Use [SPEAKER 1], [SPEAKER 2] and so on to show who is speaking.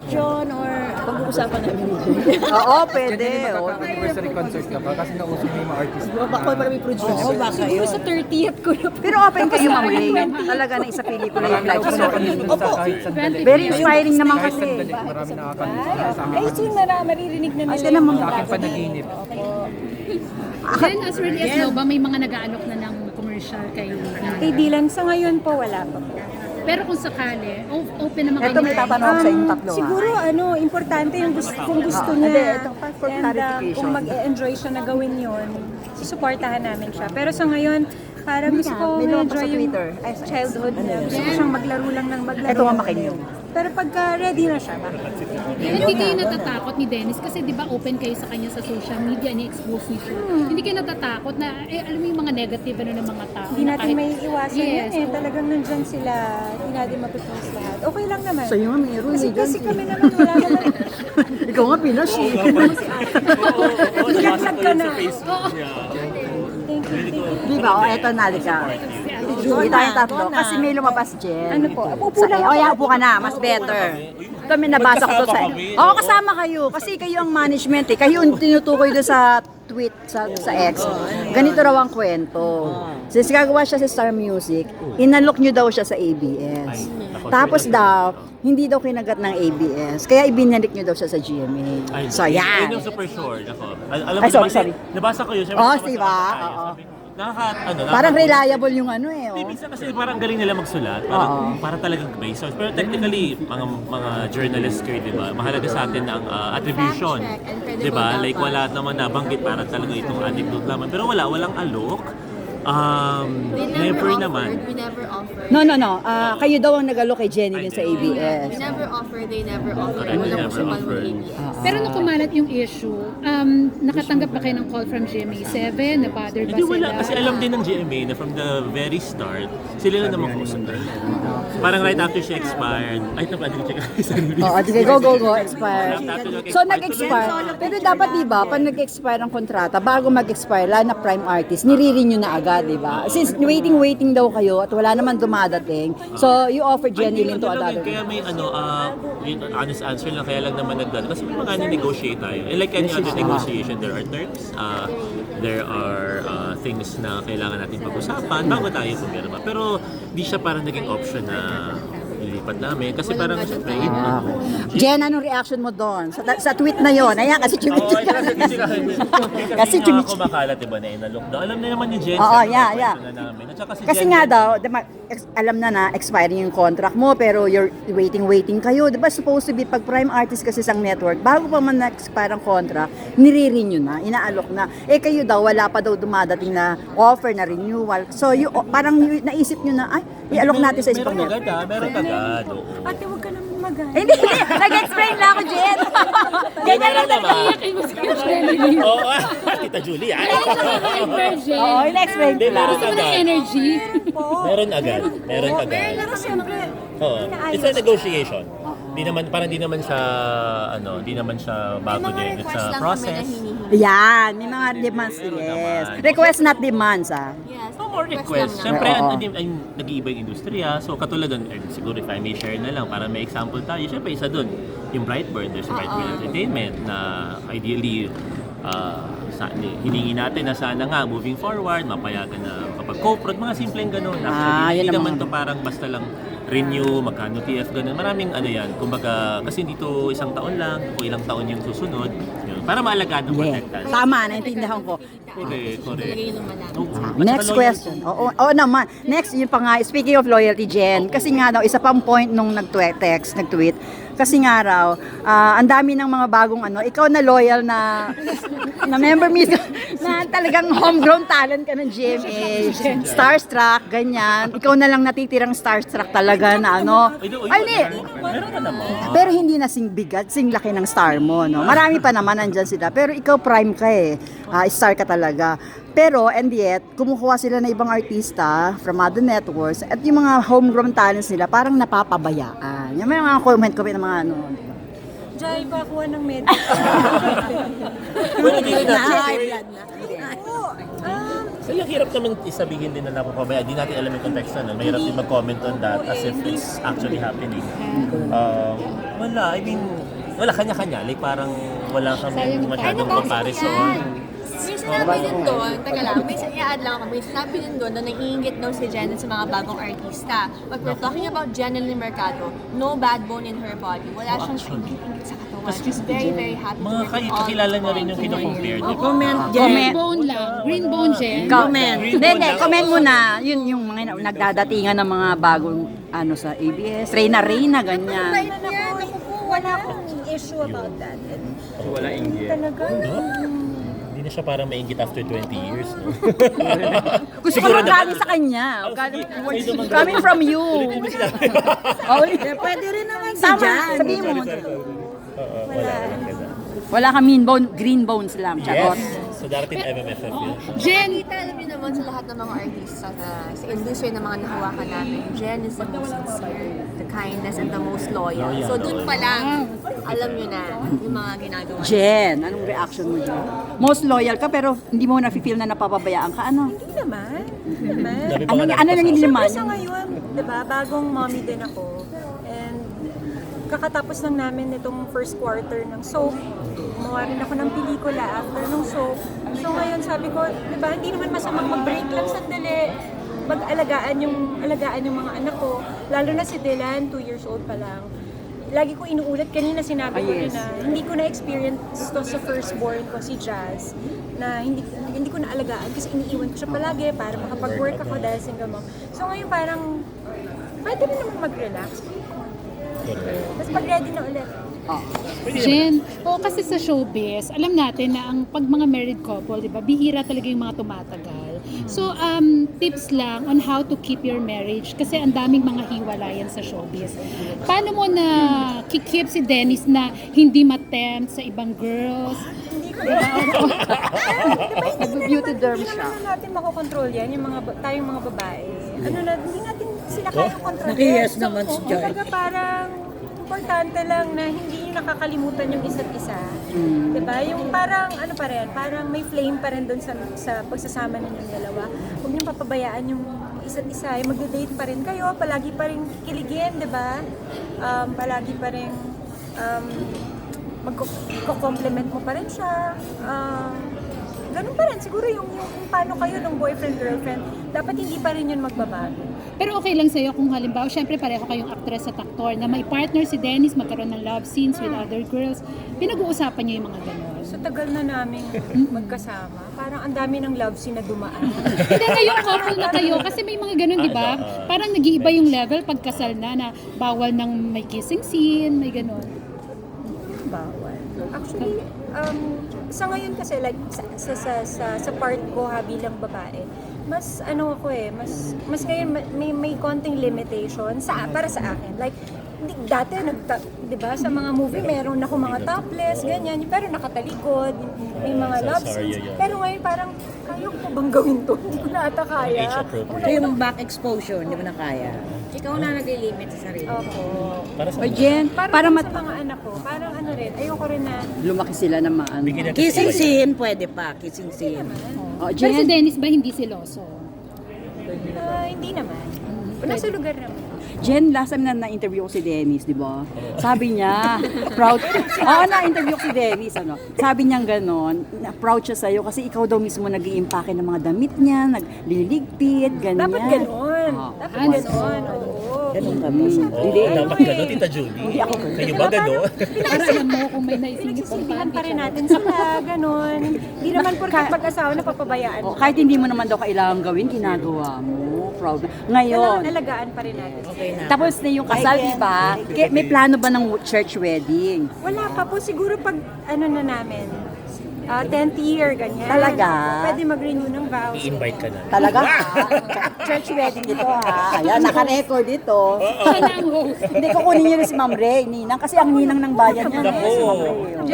[SPEAKER 1] John or pag-uusapan namin ni
[SPEAKER 2] Oo, pwede.
[SPEAKER 3] Hindi mag-anniversary concert ka ba? Kasi nauso na yung mga artist.
[SPEAKER 1] Baka para may producer.
[SPEAKER 2] Oo, baka
[SPEAKER 1] Siguro
[SPEAKER 2] yun.
[SPEAKER 1] sa 30th ko na.
[SPEAKER 2] Pero open kayo, Ma'am Ray. Talaga na isa pelikula yung life story.
[SPEAKER 3] Sa kahit sandali.
[SPEAKER 2] Very inspiring naman
[SPEAKER 3] Kahit
[SPEAKER 2] kasi.
[SPEAKER 3] sandali, marami nakakamiss. Sa
[SPEAKER 1] Ay, soon maririnig na nila.
[SPEAKER 2] Ay, naman
[SPEAKER 3] sa aking panaginip.
[SPEAKER 4] Then, as early as now ba, may mga nag-aalok na ng commercial kay
[SPEAKER 5] Kay Dylan, sa ngayon po wala pa po.
[SPEAKER 4] Pero kung sakali, open naman
[SPEAKER 2] Ito may tatanong ako sa inyong tatlo.
[SPEAKER 5] Siguro importante yung kung gusto
[SPEAKER 2] Hindi,
[SPEAKER 5] niya.
[SPEAKER 2] ito for
[SPEAKER 5] And
[SPEAKER 2] clarification.
[SPEAKER 5] kung mag-enjoy siya na gawin yun, susuportahan namin siya. Pero sa ngayon, parang gusto ko
[SPEAKER 2] may lumabas
[SPEAKER 5] enjoy
[SPEAKER 2] sa
[SPEAKER 5] yung
[SPEAKER 2] Twitter. Ay, sa
[SPEAKER 5] childhood niya. Gusto ko siyang maglaro lang ng maglaro.
[SPEAKER 2] Ito nga makinig.
[SPEAKER 5] Pero pagka ready na siya, bakit?
[SPEAKER 4] Hindi kayo natatakot ni Dennis kasi di ba open kayo sa kanya sa social media, ni-expose niyo siya. Hindi kayo natatakot na, alam mo yung mga negative ng mga tao.
[SPEAKER 5] Hindi
[SPEAKER 4] na
[SPEAKER 5] natin
[SPEAKER 4] kahit-
[SPEAKER 5] may iwasan
[SPEAKER 4] Yes,
[SPEAKER 5] yun eh.
[SPEAKER 4] oo.
[SPEAKER 5] Talagang nandyan sila. Hindi natin mapipose lahat. Okay lang naman.
[SPEAKER 2] Sa'yo nga meron.
[SPEAKER 5] Kasi kami naman, wala naman.
[SPEAKER 2] Ikaw nga Pinas eh.
[SPEAKER 5] Naglag ka na. Thank you.
[SPEAKER 2] Di ba? O, eto nalika. Hindi tayong tatlo. Kasi may lumabas, Jen.
[SPEAKER 5] Ano po? Upo lang
[SPEAKER 2] O, upo ka na. Mas better. Ito may nabasa ko to sa... Oo, kasama kayo. Kasi kayo ang management eh. Kayo yung tinutukoy doon sa tweet sa X. Ganito raw ang kwento. Since gagawa siya sa Star Music, inalok nyo daw siya sa ABS. Tapos daw, hindi daw kinagat ng ABS. Kaya ibinalik nyo daw siya sa GMA. So,
[SPEAKER 6] Yun
[SPEAKER 2] yan.
[SPEAKER 6] yung super sure. Ako. Alam
[SPEAKER 2] Ay,
[SPEAKER 6] mo,
[SPEAKER 2] sorry.
[SPEAKER 6] Nabasa ko yun.
[SPEAKER 2] Oh, diba? Oo. Parang reliable yung ano eh.
[SPEAKER 6] Hindi,
[SPEAKER 2] Oh.
[SPEAKER 6] minsan kasi parang galing nila magsulat.
[SPEAKER 2] Oo.
[SPEAKER 6] Para talagang may source. Pero technically, mga journalists kayo, di ba? Mahalaga sa atin ang attribution. Di ba? Like wala naman nabanggit para talaga itong anecdote naman. Pero walang alok. Never naman.
[SPEAKER 7] We never offered.
[SPEAKER 2] No. Kayo daw ang nag-alok kay Jenny din sa
[SPEAKER 7] We
[SPEAKER 2] ABS.
[SPEAKER 7] never offered, they never offered.
[SPEAKER 6] Correct,
[SPEAKER 7] Walang
[SPEAKER 6] never
[SPEAKER 7] usapan
[SPEAKER 6] offered.
[SPEAKER 7] ng ABS.
[SPEAKER 4] Pero nung kumalat yung issue, nakatanggap ba kayo ng call from GMA7? Na-bother ba
[SPEAKER 6] Hindi
[SPEAKER 4] sila?
[SPEAKER 6] wala. Kasi alam din ng GMA na from the very start, sila lang naman kausap. Parang right after she expired. Ay, ito pa, hindi ko check.
[SPEAKER 2] Oo, sige, go, expire. So, nag-expire. Pero dapat, di ba, pag nag-expire ang kontrata, bago mag-expire, lalo na prime artist, nire-renew na agad, di ba? Since waiting daw kayo at wala naman dumadating, so you offer Jenny Lin to another.
[SPEAKER 6] Kaya may yung honest answer lang, kaya lang naman nagdala. Kasi may mga negotiate tayo. And like any other negotiation, there are terms, there are things na kailangan natin pag-usapan bago tayo pumirma. Pero di siya parang naging option na ilipat namin. Kasi parang, syempre,
[SPEAKER 2] Jen, anong reaction mo doon? Sa tweet na yon? Ayan, kasi chimichika.
[SPEAKER 6] kasi
[SPEAKER 2] chimichika.
[SPEAKER 6] kumakalat, diba, na inalockdown. Alam na naman ni Jen.
[SPEAKER 2] Oo,
[SPEAKER 6] sa
[SPEAKER 2] yeah.
[SPEAKER 6] kwento na namin. At saka si
[SPEAKER 2] Kasi
[SPEAKER 6] Jen
[SPEAKER 2] nga
[SPEAKER 6] din,
[SPEAKER 2] daw, alam na expiring yung contract mo, pero you're waiting kayo. Di ba supposed to be, pag prime artist kasi isang network, bago pa man na-expire ang contract, nire-renew na, inaalok na. Eh kayo daw, wala pa daw dumadating na offer na renewal. So, parang naisip nyo na, ay, i-alok natin sa isang
[SPEAKER 6] Meron
[SPEAKER 2] network.
[SPEAKER 6] agad, meron agad. Oo.
[SPEAKER 5] Ate, huwag ka naman mag-ano.
[SPEAKER 2] Hindi, nag-explain lang ako, Jen. Ganyan lang talaga.
[SPEAKER 6] Oo, Tita Julie.
[SPEAKER 2] Oo, in-explain ko lang.
[SPEAKER 6] Meron agad.
[SPEAKER 4] Energy.
[SPEAKER 6] Meron agad. Meron agad.
[SPEAKER 5] Pero siyempre,
[SPEAKER 6] Oo. It's a negotiation. Di naman siya bago din. It's
[SPEAKER 7] request
[SPEAKER 6] a
[SPEAKER 7] lang kami na
[SPEAKER 6] process.
[SPEAKER 7] hinihingi.
[SPEAKER 2] Yan, may mga demands, yes. Request not demands, ah.
[SPEAKER 7] Yes,
[SPEAKER 6] No more
[SPEAKER 7] request
[SPEAKER 6] requests.
[SPEAKER 7] lang
[SPEAKER 6] Siyempre,
[SPEAKER 2] Oo.
[SPEAKER 6] nag-iiba yung industriya. So, katulad doon, siguro if I may share na lang para may example tayo. Siyempre, isa doon, yung Brightburn. There's Brightburn Entertainment na ideally, hiningi natin na sana nga moving forward, mapayagan na kapag co-prod, mga simpleng ganun. Actually,
[SPEAKER 2] yun
[SPEAKER 6] hindi
[SPEAKER 2] ang
[SPEAKER 6] naman
[SPEAKER 2] mga-
[SPEAKER 6] to parang basta lang renew, magkano TF, ganun. Maraming ano yan. Kumbaga, kasi dito isang taon lang, o ilang taon yung susunod. Yun, para maalagaan ng
[SPEAKER 2] Yeah.
[SPEAKER 6] protektas.
[SPEAKER 2] Tama, naintindihan ko.
[SPEAKER 6] Correct.
[SPEAKER 7] Lagay naman namin.
[SPEAKER 6] Oo. At
[SPEAKER 2] Next
[SPEAKER 6] saka
[SPEAKER 2] question. Oo naman. Next, yun pa nga, speaking of loyalty, Jen, kasi nga daw, isa pang point nung nag-tweet, kasi nga raw, ang dami ng mga bagong ikaw na loyal na member mismo, na talagang homegrown talent ka ng GMA, starstruck, ganyan. Ikaw na lang natitirang starstruck talaga na hindi.
[SPEAKER 6] Meron ka naman.
[SPEAKER 2] Pero hindi na sing bigat, sing laki ng star mo, no? Marami pa naman nandyan sila. Pero ikaw prime ka eh. Star ka talaga. Pero, and yet, kumukuha sila na ibang artista from other networks at yung mga homegrown talents nila parang napapabayaan. Yung may mga comment ng mga di ba?
[SPEAKER 5] Jai, pakuha ng medal.
[SPEAKER 6] Well, hindi rin natin.
[SPEAKER 5] Oo,
[SPEAKER 6] So, yung hirap naman isabihin din na napapabaya. Hindi natin alam yung context na. Mahirap din mag-comment on that as if it's actually happening. Wala, I mean, wala, kanya-kanya. Like parang wala kami masyadong comparison.
[SPEAKER 7] May sinabi din doon, taga lang, may i-add lang ako, may sinabi din doon na naiingit daw si Jen sa mga bagong artista. But we're talking about Jenny Mercado, no bad bone in her body. Wala siyang ingit sa katawan. She's very, very happy to
[SPEAKER 6] Mga
[SPEAKER 7] work with all
[SPEAKER 6] kakilala niya rin yung
[SPEAKER 7] people.
[SPEAKER 6] kino-compare.
[SPEAKER 2] Comment,
[SPEAKER 4] Green bone lang. Green bone, Jen.
[SPEAKER 2] Comment.
[SPEAKER 6] Green
[SPEAKER 2] Hindi,
[SPEAKER 6] bone
[SPEAKER 2] hindi.
[SPEAKER 6] lang.
[SPEAKER 2] Comment muna. Yun yung mga nagdadatingan ng mga bagong ano sa ABS. Reyna, ganyan.
[SPEAKER 5] wala akong issue about that.
[SPEAKER 3] Wala inggit.
[SPEAKER 5] Talaga.
[SPEAKER 6] Hindi na siya parang maingit after 20 years, no?
[SPEAKER 2] Gusto ko lang galing sa kanya. Galing- Coming from you. Oh,
[SPEAKER 8] Pwede rin naman si
[SPEAKER 2] tama,
[SPEAKER 8] Jan.
[SPEAKER 2] sabihin mo.
[SPEAKER 6] Oo, wala.
[SPEAKER 2] Wala ka mean bone, green bones lang. Charot.
[SPEAKER 6] Yes! So darating MMFF yun.
[SPEAKER 4] Jen,
[SPEAKER 7] Kita alam niyo naman sa lahat ng mga artista na sa industry na mga nahawakan namin, Jen is the most sincere, the kindness, and the most loyal. So dun pa lang, alam niyo na yung mga ginagawa.
[SPEAKER 2] Jen, anong reaction mo dyan? Most loyal ka pero hindi mo na-feel na napapabayaan ka. Ano?
[SPEAKER 5] Hindi naman. Hindi naman.
[SPEAKER 6] Dami pa
[SPEAKER 2] Ano,
[SPEAKER 6] nga
[SPEAKER 2] ano
[SPEAKER 6] natin
[SPEAKER 2] nang
[SPEAKER 6] kasama.
[SPEAKER 2] laman?
[SPEAKER 5] Sa ngayon, di ba, bagong mommy din ako. And kakatapos lang namin itong first quarter ng soap. Gumawa rin ako ng pelikula after ng soap. So ngayon sabi ko, di ba, hindi naman masamang mag-break lang sandali. Mag-alagaan yung mga anak ko. Lalo na si Dylan, 2 years old pa lang. Lagi ko inuulit, kanina sinabi ko rin na hindi ko na-experience to sa firstborn ko, si Jazz, na hindi ko na-alagaan kasi iniiwan ko siya palagi para makapag-work ako dahil single mom. So ngayon parang pwede rin naman mag-relax. Tapos pag ready na ulit.
[SPEAKER 4] Jen, kasi sa showbiz, alam natin na ang pag mga married couple, di ba, bihira talaga yung mga tumatagal. So, tips lang on how to keep your marriage kasi ang daming mga hiwalayan sa showbiz. Paano mo na keep si Dennis na hindi matempt sa ibang girls?
[SPEAKER 2] Beauty derm
[SPEAKER 5] Hindi
[SPEAKER 2] siya.
[SPEAKER 5] naman natin makokontrol yan, tayong mga babae. Hindi natin sila kayang kontrolin.
[SPEAKER 8] Nakiyes naman si Joy.
[SPEAKER 5] Kumbaga parang importante lang na hindi nyo nakakalimutan yung isa't isa. Diba? Yung parang, parang may flame pa rin doon sa pagsasama ninyong dalawa. Huwag nyo papabayaan yung isa't isa. Yung magde-date pa rin kayo, palagi pa rin kiligin, diba? Palagi pa rin magko-compliment mo pa rin siya. Ganun pa rin. Siguro yung paano kayo ng boyfriend-girlfriend, dapat hindi pa rin yun magbabago.
[SPEAKER 4] Pero okay lang sa'yo kung halimbawa, syempre pareho kayong actress at aktor na may partner si Dennis, magkaroon ng love scenes with other girls. Pinag-uusapan niyo yung mga ganon.
[SPEAKER 5] So tagal na namin magkasama. Parang ang dami ng love scene na dumaan.
[SPEAKER 4] Hindi, ngayon couple na kayo kasi may mga ganun, di ba? Parang nag-iiba yung level pag kasal na bawal ng may kissing scene, may ganun.
[SPEAKER 5] Bawal. Actually, sa ngayon kasi like sa part ko bilang babae, mas ako mas ngayon may konting limitation para sa akin. Like dati di ba sa mga movie meron ako mga topless ganyan, pero nakatalikod, may mga love scenes. Pero ngayon parang kaya ko bang gawin to? Hindi ko na ata kaya.
[SPEAKER 6] Age appropriate.
[SPEAKER 8] Ito yung back exposure, hindi mo na kaya.
[SPEAKER 7] Ikaw na nag-limit sa sarili.
[SPEAKER 5] Opo.
[SPEAKER 6] Para sa
[SPEAKER 2] O Jen, para
[SPEAKER 5] Para sa mga anak ko, parang rin, ayoko rin na
[SPEAKER 2] lumaki sila ng maano.
[SPEAKER 6] Bigyan natin
[SPEAKER 8] Kissing
[SPEAKER 6] sila.
[SPEAKER 8] scene, pwede pa. Kissing scene.
[SPEAKER 2] O
[SPEAKER 4] Pero si
[SPEAKER 2] Jen,
[SPEAKER 4] Dennis ba hindi siloso?
[SPEAKER 5] hindi naman. Nasa lugar naman.
[SPEAKER 2] Jen, last time na na-interview ko si Dennis, di ba? Sabi niya, proud. Oo, na-interview ko si Dennis, ano. Sabi niya gano'n, proud siya sa'yo kasi ikaw daw mismo nag-iimpake ng mga damit niya, nagliligpit, ganyan.
[SPEAKER 5] Dapat ganon.
[SPEAKER 2] Oo.
[SPEAKER 5] Dapat ganon. Oo.
[SPEAKER 8] Ganun kami.
[SPEAKER 2] Hindi.
[SPEAKER 6] Dapat gano'n, Tita Julie.
[SPEAKER 2] Hindi ako ganun.
[SPEAKER 6] Kayo ba gano'n?
[SPEAKER 4] Para alam mo kung may naisingit pang
[SPEAKER 5] Pinagsisilihan pa rin natin sila, ganon. Hindi naman porkat pag-asawa na papabayaan.
[SPEAKER 2] O, kahit hindi mo naman daw kailangan gawin, ginagawa mo. Proud. Ngayon,
[SPEAKER 5] Alagaan pa rin natin.
[SPEAKER 8] Okay na.
[SPEAKER 2] tapos na yung kasal, di ba? May plano ba ng church wedding?
[SPEAKER 5] Wala pa po, siguro pag na namin, 10th year, ganyan.
[SPEAKER 2] Talaga?
[SPEAKER 5] Pwede mag-renew ng vows.
[SPEAKER 6] I-invite ka na.
[SPEAKER 2] Talaga? Church wedding dito ha. Ayan, naka-record ito.
[SPEAKER 4] Siya na ang host.
[SPEAKER 2] Hindi ko kunin niyo na si Ma'am Ray, Ninang, kasi ang ninang ng bayan niya.
[SPEAKER 6] Nako.
[SPEAKER 2] Si Ma'am Ray.